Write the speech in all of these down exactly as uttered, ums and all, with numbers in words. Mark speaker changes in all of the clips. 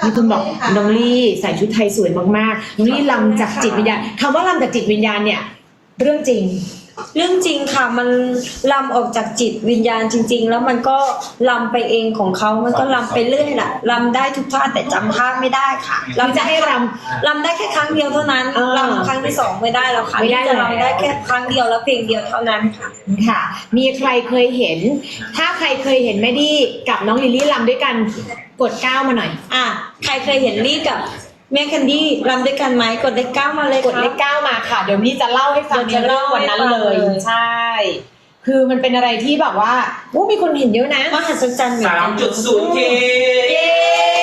Speaker 1: มีคนบอกน้องลี่ใส่ชุดไทยสวยมากๆน้องลี่ลำจากจิตวิญญาณคำว่าลำจากจิตวิญญาณเนี่ยเรื่องจริง
Speaker 2: เรื่องจริงค่ะมันลำออกจากจิตวิญญาณจริงๆแล้วมันก็ลำไปเองของเขามันก็ลำไปเรื่อยแหละลำได้ทุกท่าแต่จำท่าไม่ได้ค่ะลำจะให้ลำลำได้แค่ครั้งเดียวเท่านั้นลำครั้งที่สองไม่ได้แล้วค่ะนี่จะลำได้แค่ครั้งเดียวแล้วเพลงเดียวเท่านั้นค่ะ
Speaker 1: ค่ะมีใครเคยเห็นถ้าใครเคยเห็นแม่ดี้กับน้องลิลลี่ลำด้วยกันกดเก้ามาหน่อย
Speaker 2: อ่ะใครเคยเห็นลี่กับแม่แคนดี้รำด้วยกันไหมกดเลขเก้ามาเลย
Speaker 1: กดเลขเก้ามาค่ะเดี๋ยวนี้จะเล่าให้ฟังในเรื่องวันนั้นเลยใช่คือมันเป็นอะไรที่แบบว่าโอ้มีคนเห็นเยอะนะ
Speaker 2: มหัศจรรย์
Speaker 3: สามจุดศูนย์เค
Speaker 2: เย้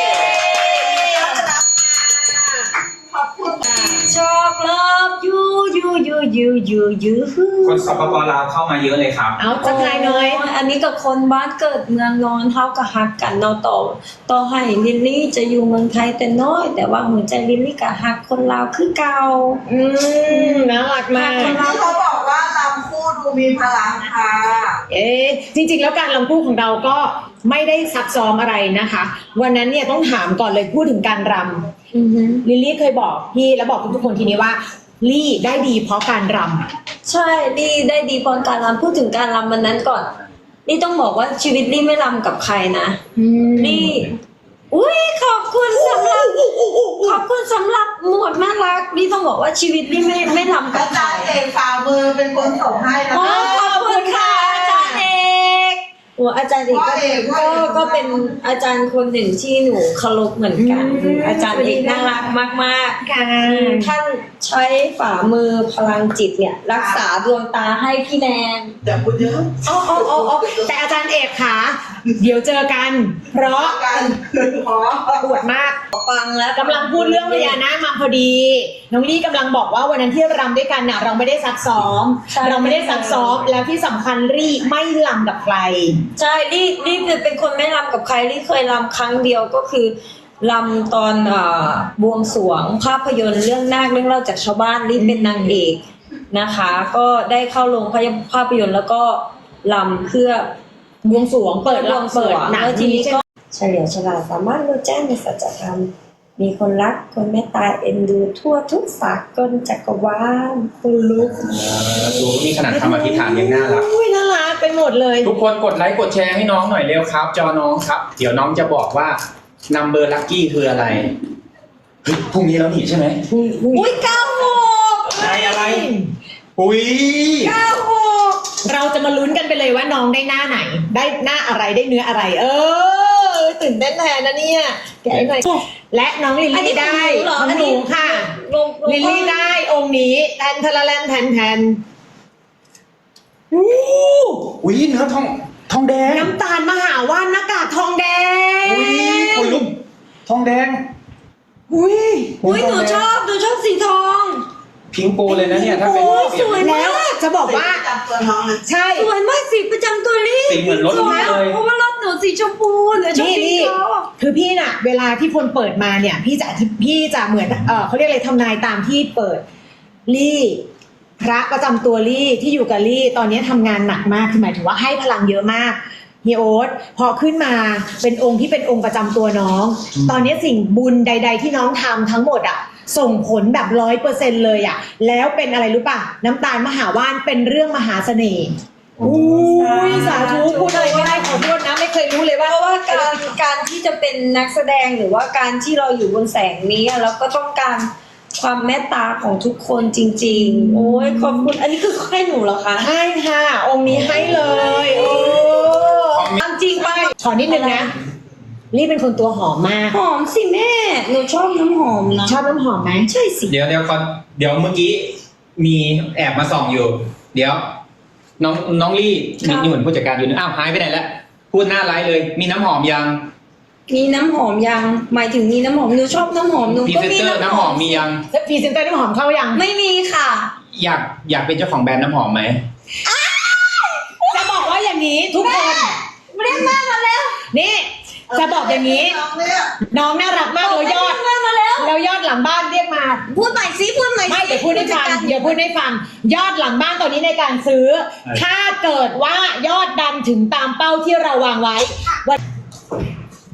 Speaker 4: ขอบคุณ
Speaker 2: ชอบเลิฟยูยูยูยูยูยู
Speaker 3: คนสปปลาวเข้ามาเยอะเลยครับ
Speaker 1: เอาจักรายน้อย
Speaker 2: อันนี้กับคนบ้านเกิดเมืองนอนเท่ากับฮักกันเนาะต่อต่อให้ลิลลี่จะอยู่เมืองไทยแต่น้อยแต่ว่าหัวใจลิลลี่กับฮักคนลาวคือเก่า
Speaker 1: อืมน่ารักมาก
Speaker 4: เขาบอกว่าลำคู่ดูมีพลังค่ะ
Speaker 1: เอ๊ะจริงๆแล้วการลำคู่ของเราก็ไม่ได้ซับซ้อมอะไรนะคะวันนั้นเนี่ยต้องถามก่อนเลยพูดถึงการรำลิลลี่เคยบอกพี่แล้วบอกทุกๆคนทีนี้ว่าลี่ได้ดีเพราะการร
Speaker 2: ำใช่ลี่ได้ดีเพราะการรำพูดถึงการรำวันนั้นก่อนลี่ต้องบอกว่าชีวิตลี่ไม่รำกับใครนะลี่อุ้ยขอบคุณสำหรับขอบคุณสำหรับหมวดน่ารักลี่ต้องบอกว่าชีวิตลี่ไม่ไม่รำกับใคร
Speaker 4: อาจารย์เอกฝ่ามือเป็นคนส่งให้นะ
Speaker 2: คะขอบคุณค่ะอาจารย์เอกหัวอาจารย์เอกก็ก็เป็นอาจารย์คนหนึ่งที่หนูเคารพเหมือนกันอาจารย์เอกน่ารักมากๆค่ะท่านใช้ฝ่ามือพลังจิตเนี่ยรักษาดวงตาให้พี่แนน
Speaker 4: แต่พูดเยอะ
Speaker 1: อ๋ออ๋ออ๋อแต่อาจารย์เอกค่ะเดี๋ยวเจอกันเพราะ
Speaker 4: กันเพราะ
Speaker 1: ปวดมาก
Speaker 2: ฟังแล้ว
Speaker 1: กำลังพูดเรื่องพญานาคมาพอดีน้องลี่กำลังบอกว่าวันนั้นที่รำด้วยกันน่ะเราไม่ได้ซักซ้อมเราไม่ได้ซักซ้อมแล้วที่สำคัญลี่ไม่รำกับใคร
Speaker 2: ใช่ลี่ลี่เป็นคนไม่รำกับใครลี่เคยรำครั้งเดียวก็คือรำตอนบวงสรวงภาพยนตร์เรื่องนาคเรื่องเล่าจากชาวบ้านลี่เป็นนางเอกนะคะก็ได้เข้าโรงภาพยนตร์แล้วก็รำเพื่อบวงสรวงเปิดบวงสรวงแล้วทีนี้ก็เฉลียวฉลาดสามารถรู้แจ้งในสัจธรรมมีคนรักคนเมตตาเอ็นดูทั่วทุกสากลจักรวาลคนลุก
Speaker 3: ดูนี่ขนาดคำอธิษฐานยังน่ารัก
Speaker 1: อุ้ยน่ารักไปหมดเลย
Speaker 3: ทุกคนกดไลค์กดแชร์ให้น้องหน่อยเร็วครับจอน้องครับเดี๋ยวน้องจะบอกว่านัมเบอร์ลัคกี้คืออะไรเฮ้ยพรุ่งนี้แล้วนี่ใช่ไหม
Speaker 2: อุ้ยเก้าหก
Speaker 3: อะไรอะไรอุ้ย
Speaker 2: เก้าหก
Speaker 1: เราจะมาลุ้นกันไปเลยว่าน้องได้หน้าไหนได้หน้าอะไรได้เนื้ออะไรเออตื่นเต้นแทนนะเนี่ยแกะหน่อยและน้องลิลลี่ได้ของหนูค่ะลิลลี่ได้องค์นี้แทนทะละแลนแทนแทน
Speaker 3: อู้อุ้ยเนื้อทองทองแดง
Speaker 1: น้ำตาลมหาว่านหน้ากากทองแดง
Speaker 3: อุ้ยคนลุกทองแดง
Speaker 1: อุ้ย
Speaker 2: อุ้ยหนูชอบหนูชอบสีทอง
Speaker 3: พิงโกเลยนะเนี่ยถ้าเป็น
Speaker 2: สวยมาก
Speaker 1: จะบอกว่าใช่
Speaker 2: สวยมากสีประจำตัวลี่
Speaker 3: สีเหมือนรถเลย
Speaker 2: เพราะว่ารถหนูสีชมพูหนูชอบสีทอง
Speaker 1: คือพี่น่ะเวลาที่คนเปิดมาเนี่ยพี่จะพี่จะเหมือนเออเขาเรียกอะไรทำนายตามที่เปิดลี่พระประจำตัวลี่ที่อยู่กับลี่ตอนนี้ทำงานหนักมากคือหมายถึงว่าให้พลังเยอะมากเฮียโอ๊ตพอขึ้นมาเป็นองค์ที่เป็นองค์ประจำตัวน้องตอนนี้สิ่งบุญใดๆที่น้องทำทั้งหมดอ่ะส่งผลแบบร้อยเปอร์เซ็นต์เลยอ่ะแล้วเป็นอะไรรู้ป่ะน้ำตาลมหาว่านเป็นเรื่องมหาเสน่ห์อุ้ยสาธุพูดอะไรไม่ได้ขอโทษนะไม่เคยรู้เลยว่า
Speaker 2: เพราะว่าการการที่จะเป็นนักแสดงหรือว่าการที่เราอยู่บนแสงนี้เราก็ต้องการความเมตตาของทุกคนจริงๆโอ้ยขอบคุณอันนี้คือให้หนูเหรอคะ
Speaker 1: ให้ค่ะองค์นี้ให้เลยโอ้
Speaker 2: จริงไป
Speaker 1: ขอนิดนึงนะลี่เป็นคนตัวหอมมาก
Speaker 2: หอมสิแม่หนูชอบน้ำหอมนะ
Speaker 1: ชอบน้ำหอมไหม
Speaker 2: ใช่สิ
Speaker 3: เดี๋ยวเดี๋ยวก่อนเดี๋ยวเมื่อกี้มีแอบมาส่องอยู่เดี๋ยวน้องน้องลี่มีนี่เหมือนผู้จัดการอยู่นึงอ้าวหายไปไหนแล้วพูดหน้าไลฟ์เลยมีน้ำหอมยัง
Speaker 2: มีน้ำหอมยังหมายถึงมีน้ำหอมหนูชอบน้ำหอมหนู
Speaker 3: ก็มีน้ำหอมมียัง
Speaker 1: พรีเซนเตอร์น้ำหอมเข้ายัง
Speaker 2: ไม่มีค่ะ
Speaker 3: อยากอยากเป็นเจ้าของแบรนด์น้ำหอมไหม
Speaker 1: จะบอกว่าอย่างนี้ทุกคน
Speaker 2: เรียกแม่มาแล้ว
Speaker 1: นี่จะบอกอย่างนี้น้องน่ารักมากแล้วยอดแล้วยอดหลังบ้านเรียกมา
Speaker 2: พูดใหม่ซิพูดใหม่
Speaker 1: ไม่เดี๋ยวพูดให้ฟังเดี๋ยวพูดให้ฟังยอดหลังบ้านตอนนี้ในการซื้อถ้าเกิดว่ายอดดันถึงตามเป้าที่เราวางไว้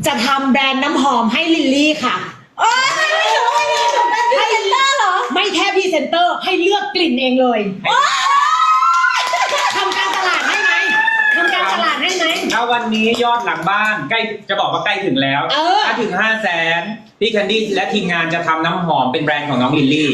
Speaker 1: จะทำแบรนด์น้ำหอมให้ลิลลี่ค่ะ
Speaker 2: โอ้ยเป็นพรีเซนเตอร์เหรอ
Speaker 1: ไม่แค่พรีเซนเตอร์ให้เลือกกลิ่นเองเลยทำการตลาดให้ไหมทำการตลาดให้ไหม
Speaker 3: ถ้าวันนี้ยอดหลังบ้านใกล้จะบอกว่าใกล้ถึงแล้ว
Speaker 1: เออ
Speaker 3: ถ้าถึงห้าแสนพี่แคนดี้และทีมงานจะทำน้ำหอมเป็นแบรนด์ของน้องลิลลี่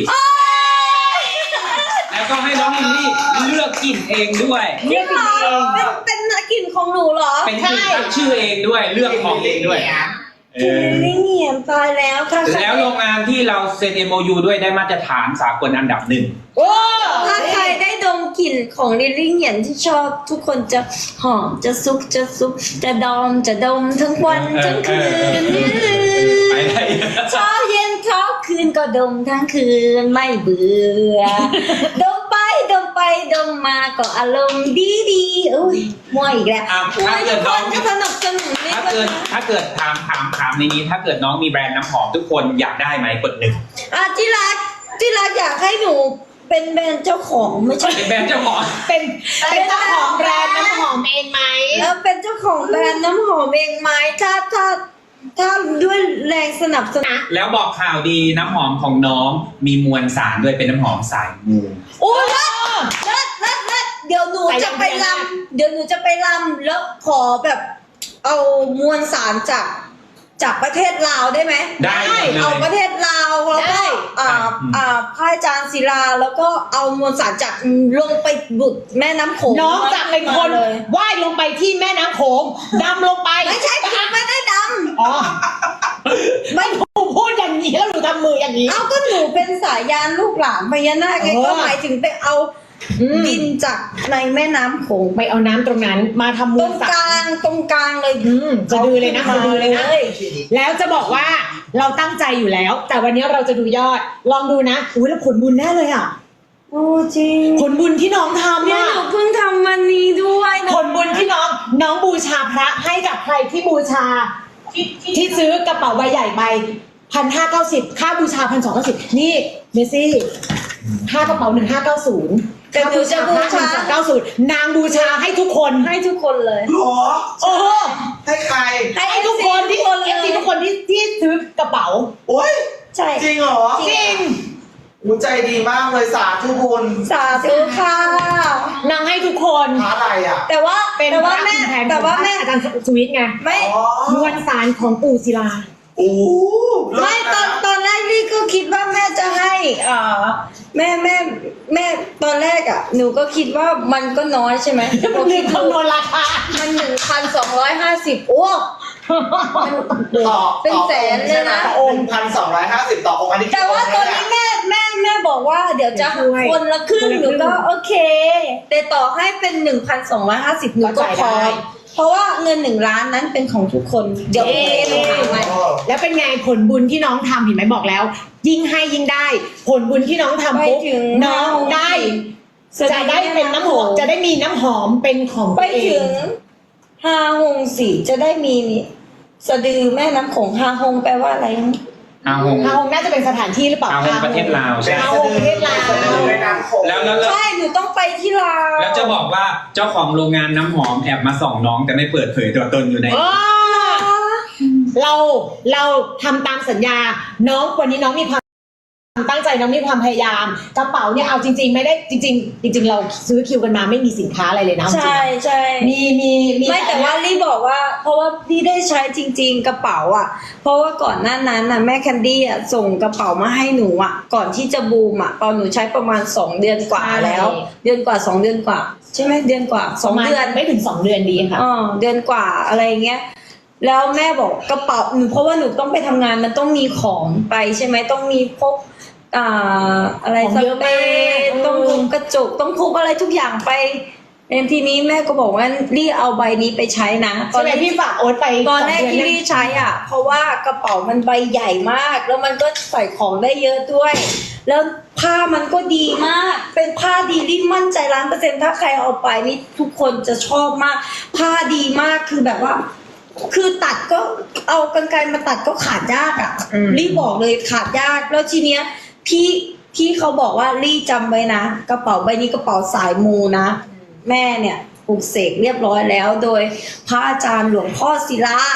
Speaker 3: แล้วก็ให้น้องลิลลี่เลือกกลิ่นเองด้วย
Speaker 2: จริงเหรอเป็นเป็นกลิ่นของหนูเหรอ
Speaker 3: เป็นกลิ่นตั้งชื่อเองด้วยเลือกของเองด้วยเออ
Speaker 2: ไม่เงียบตายแล้วค่ะ
Speaker 3: แล้วโรงงานที่เราเซ็น เอ็ม โอ ยู ด้วยได้มาตรฐานสากลอันดับหนึ่ง
Speaker 1: โอ้
Speaker 2: ถ้าใครได้ดมกลิ่นของลิลลี่เหยียนที่ชอบทุกคนจะหอมจะซุกจะซุกจะดอมจะดมทั้งวันทั้งคืน
Speaker 3: ไปได้
Speaker 2: เช้าเย็นเช้าคืนก็ดมทั้งคืนไม่เบื่อ ดมไปดมไปดมมาก็อารมณ์ดีดีๆอุ้ยมั่วอีกแล้ว
Speaker 3: อ่ะ
Speaker 2: อุ้
Speaker 3: ถ้าย เกิ
Speaker 2: ทุ
Speaker 3: ด
Speaker 2: กค
Speaker 3: น้อง
Speaker 2: นก็สนับสนุนนี่
Speaker 3: ถ้าเกิดถ้าเกิดถามถามถามในนี้ ถ้าเกิดน้องมีแบรนด์น้ำหอมทุกคนอยากได้ไหมกดหนึ่ง
Speaker 2: อ่ะที่รักที่รักอยากให้หนูเป็นแบรนด์เจ้าของไม่ใช่
Speaker 3: เป็นแบรนด์เจ้าของ
Speaker 1: เป็นเป็นเจ้าของแบรนด์น้ำหอมเองไหม
Speaker 2: แล้วเป็นเจ้าของแบรนด์น้ำหอมเองไหมถ้าถ้าถ้าด้วยแรงสนับสนุน
Speaker 3: แล้วบอกข่าวดีน้ำหอมของน้องมีมวลสารด้วยเป็นน้ำหอมสายมู
Speaker 2: โอ้ยเลิศเลิศเลิศเลิศเดี๋ยวหนูจะไปรำเดี๋ยวหนูจะไปรำแล้วขอแบบเอามวลสารจากจากประเทศลาวได้ไหม
Speaker 3: ได้หมดเล
Speaker 2: เอา
Speaker 3: ย
Speaker 2: ประเทศลาวแล้วก็อ่า
Speaker 3: อืม
Speaker 2: อ่าพระอาจารย์ศิลาแล้วก็เอามวลสารจากลงไปบุดแม่น้ำโขง
Speaker 1: น้องจะเป็นคน
Speaker 2: เลย
Speaker 1: ว่ายลงไปที่แม่น้ำโขงดำลงไป
Speaker 2: ไม่ใช่หนูไม่ได้ด
Speaker 1: อ๋อ
Speaker 2: ำไม่
Speaker 1: หนูพูดอย่างนี้แล้วหนูทำมืออย่างนี้
Speaker 2: เอาก็หนูเป็นสายยานลูกหลานพญานาคไง
Speaker 1: เออ
Speaker 2: ก็หมายถึงไปเอา
Speaker 1: อืม
Speaker 2: ดินจากในแม่น้ำโขง
Speaker 1: ไปเอาน้ำตรงนั้นมาทำ
Speaker 2: ต
Speaker 1: มื
Speaker 2: ร
Speaker 1: อง สาก
Speaker 2: ลางตรงกลางเลย
Speaker 1: อืมจะดือเลยนะจะดือเลยนะ
Speaker 2: เลย
Speaker 1: แล้วจะบอกว่าเราตั้งใจอยู่แล้ว แต่วันนี้เราจะดูยอด ลองดูนะอุ้ยแล้วผลบุญแน่เลยอ่ะ
Speaker 2: โอ้จริง
Speaker 1: ผลบุญที่น้องทำ
Speaker 2: เนี่ย
Speaker 1: อ่ะ
Speaker 2: หนูเพิ่งทำวันนี้ด้วยนะ
Speaker 1: ผลบุญที่น้องน้องบูชาพระให้กับใครที่บูชา ที่ซื้อกระเป๋าใบใหญ่ไปพันห้าเก้าสิบค่าบูชาพันสองเก้าสิบนี่เมซี่ค่ากระเป๋าหนึ่งห้าเก้าศูนย์
Speaker 2: แต่หนูจะบูชา
Speaker 1: หนึ่งสองเก้าศูนย์นางบูชาให้ทุกคน
Speaker 2: ให้ทุกคนเลย
Speaker 4: หรอ
Speaker 1: โอ้โห
Speaker 4: ให้ใคร
Speaker 1: ให้ทุกคนที่เอฟซีทุกคนที่ที่ซื้อกระเป๋า
Speaker 4: โอ้ย
Speaker 2: ใช่
Speaker 4: จริงเหรอ
Speaker 1: จริง
Speaker 4: หูใจดีมากเลยสาธุบุญ
Speaker 2: สาธุค่ะ
Speaker 1: นางให้ทุกคน
Speaker 4: พระอะไรอ่ะ
Speaker 2: แต่ว่า
Speaker 1: เป็น
Speaker 2: แต่
Speaker 1: พ
Speaker 2: ว่า
Speaker 1: ระ
Speaker 2: แม่
Speaker 1: คุณแผน
Speaker 2: แต่ว่าแม่
Speaker 1: อาจารย์สวิทไง
Speaker 2: ไม่
Speaker 4: อ๋อ
Speaker 1: มวลสารของปู่ศิลา
Speaker 4: โอ้เลิศ
Speaker 2: ไม่ตอนตอนแรกนี่ก็คิดว่าแม่จะให้อ่าแม่แม่แม่ตอนแรกอ่ะ หนูก็คิดว่ามันก็น้อยใช่ไหม
Speaker 1: มันลืมคำนวณราคา
Speaker 2: มันหนึ่งพันสองร้อยห้าสิบโอ้มัน
Speaker 4: ต่อ
Speaker 2: เป็นแสนเลยนะ
Speaker 4: ต่อองค์พันสองร้อยห้าสิบต่อองค์อันนี้
Speaker 2: แต่ว่าตอนนี้แม่แม่แม่บอกว่าเดี๋ยวจะ
Speaker 1: ช่วย
Speaker 2: คนละครึ่ง
Speaker 1: คนละครึ่ง
Speaker 2: หนูก็โอเค แต่ต่อให้เป็นหนึ่งพันสองร้อยห้าสิบหนูก็
Speaker 1: เข้าใจ
Speaker 2: พอ
Speaker 1: ได้
Speaker 2: เพราะว่าเงินหนึ่งล้านนั้นเป็นของทุกคน เดี๋ยวพรุ่งนี้หนูหาใหม่
Speaker 4: โอ้
Speaker 1: แล้วเป็นไงผลบุญที่น้องทำเห็นไหมบอกแล้ว ยิ่งให้ยิ่งได้ ผลบุญที่น้องทำปุ๊บ
Speaker 2: ไปถึง
Speaker 1: น้องได้จะได้เป็นน้ำหอมจะได้มีน้ำหอมเป็นของ
Speaker 2: ไป
Speaker 1: ตัวเอ
Speaker 2: ถึ
Speaker 1: ง
Speaker 2: งฮาฮงสีจะได้มีสะดือแม่น้ำโขงฮาฮงแปลว่าอะไรนะ
Speaker 3: อาหง
Speaker 1: ฮาฮงน่าจะเป็นสถานที่หรือเปล่า
Speaker 3: อาหงประเทศลาวใช่
Speaker 1: ฮาฮงประเทศลาว
Speaker 4: ในน้ำโขง
Speaker 3: แล้วแล้วแล้ว
Speaker 2: ใช่หนูต้องไปที่ลาว
Speaker 3: แล้วจะบอกว่าเจ้าของโรงงานน้ำหอมแอบมาส่องน้องแต่ไม่เปิดเผยตัวตนอยู่ใน
Speaker 1: อ๋อเราเราทำตามสัญญา น้องวันนี้น้องมีความตั้งใจน้องมีความพยายามกระเป๋าเนี่ยเอาจริง ๆ ไม่ได้จริง ๆ จริง ๆ เราซื้อคิวกันมาไม่มีสินค้าอะไรเลยนะเอาจริง
Speaker 2: ใช่ใช่
Speaker 1: ๆมีมีมี
Speaker 2: ไม่แต่ว่าลี่บอกว่า เพราะว่าลี่ได้ใช้จริง ๆ กระเป๋าอ่ะ เพราะว่าก่อนหน้านั้นน่ะแม่แคนดี้อ่ะส่งกระเป๋ามาให้หนูอ่ะ ก่อนที่จะบูมอ่ะตอนหนูใช้ประมาณสองเดือนกว่าแล้ว เดือนกว่าสองเดือนกว่า ใช่ไหมเดือนกว่าสองเดือน
Speaker 1: ไม่ถึงสองเดือนดีค่ะ
Speaker 2: อ๋อเดือนกว่าอะไรเงี้ยแล้วแม่บอกกระเป๋าหนูเพราะว่าหนูต้องไปทำงานมันต้องมีของไปใช่ไหมต้องมีพกอ่าอะไร
Speaker 1: ของ
Speaker 2: ส
Speaker 1: เยอะ
Speaker 2: เปร
Speaker 1: มาก
Speaker 2: ย์ต้องพกกระจกต้องพกอะไรทุกอย่างไปเอ็นทีนี้แม่ก็บอกว่ารีเอาใบนี้ไปใช้นะตอ
Speaker 1: ใช่
Speaker 2: น
Speaker 1: ไหม
Speaker 2: แรก
Speaker 1: พี่ฝากโอ๊ตไป
Speaker 2: ตอนแรก
Speaker 1: สง
Speaker 2: ที่
Speaker 1: เดื
Speaker 2: รีใช้อ่ะ เพราะว่ากระเป๋ามันใบใหญ่มาก แล้วมันก็ใส่ของได้เยอะด้วย แล้วผ้ามันก็ดีมาก เป็นผ้าดีรีมั่นใจล้านเปอร์เซ็นต์ถ้าใครเอาไปนี่ทุกคนจะชอบมาก ผ้าดีมากคือแบบว่า คือตัดก็เอากรรไกรมาตัดก็ขาดยากอ่ะรีบอกเลยขาดยากแล้วทีเนี้ยพี่พี่เขาบอกว่ารีจำไว้นะกระเป๋าใบนี้กระเป๋าสายมูนะ แม่เนี่ยปลูกเสกเรียบร้อยแล้ว โดยพระอาจารย์หลวงพ่อศิลา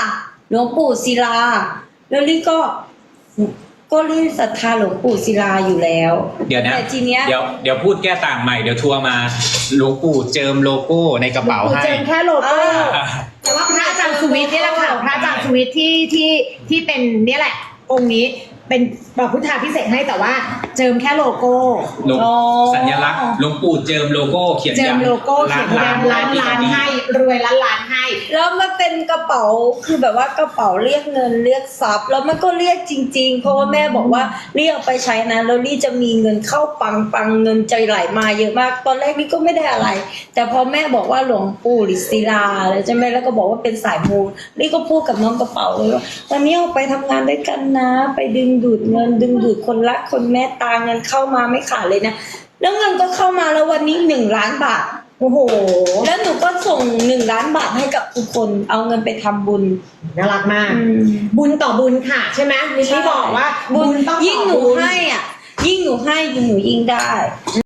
Speaker 2: หลวงปู่ศิลา แล้วลี่ก็ก็ลี่ศรัทธาหลวงปู่ศิลาอยู่แล้ว
Speaker 3: เดี๋ยวนะ
Speaker 2: แต่ทีเนี้ย
Speaker 3: เดี๋ยวเดี๋ยวพูดแก้ต่างใหม่เดี๋ยวทัวร์มาหลวงปู่เจิมโลโก้ในกระเป๋า
Speaker 1: หลวงปู่
Speaker 3: ให้
Speaker 1: เจิมแค่โลโก้
Speaker 2: อ่า
Speaker 1: แต่ว่าพระอาจารย์สุวิทย์นี่แหละค่ะพระอาจารย์สุวิทย์ที่ที่ที่เป็นเนี่ยแหละ องค์นี้เป็นบอกพุทธาพิเศษกให้แต่ว่าเจิมแค่โลโก้
Speaker 3: หลวง
Speaker 2: อ๋อ
Speaker 3: สัญลักษณ์หลวงปู่เจิมโลโก้เขียน
Speaker 1: เจิม
Speaker 3: ยัน
Speaker 1: โลโก้เขียนยันล้านล้านให้รวยล้านล้านให้
Speaker 2: แล้วมันเป็นกระเป๋าคือแบบว่ากระเป๋าเรียกเงินเรียกทรัพย์แล้วมันก็เรียกจริง ๆ เพราะว่าแม่บอกว่าเรียกเอาไปใช้นะแล้วลี่จะมีเงินเข้าปังปังเงินใจไหลมาเยอะมาก ตอนแรกลี่ก็ไม่ได้อะไร แต่พอแม่บอกว่าหลวงปู่ฤาษีลาอะไรใช่ไหมแล้วก็บอกว่าเป็นสายมูลี่ก็พูดกับน้องกระเป๋าเลยว่าตอนนี้ออกไปทำงานด้วยกันนะ ไปดึงดูดเงินดึงดูดคนรักคนแม่ตาเงินเข้ามาไม่ขาดเลยนะแล้วเงินก็เข้ามาแล้ววันนี้หนึ่งล้านบาท
Speaker 1: โอ้โห
Speaker 2: แล้วหนูก็ส่งหนึ่งล้านบาทให้กับทุกคนเอาเงินไปทำบุญ
Speaker 1: น่ารักมาก
Speaker 2: อืม
Speaker 1: บุญต่อบุญค่ะใช่ไหมมิลลี่บอกว่าบุญต้องต่อ
Speaker 2: ยิ่งหนู
Speaker 1: บุญ
Speaker 2: ให้อ่ะ ยิ่งหนูให้ยิ่งหนูยิ่งได้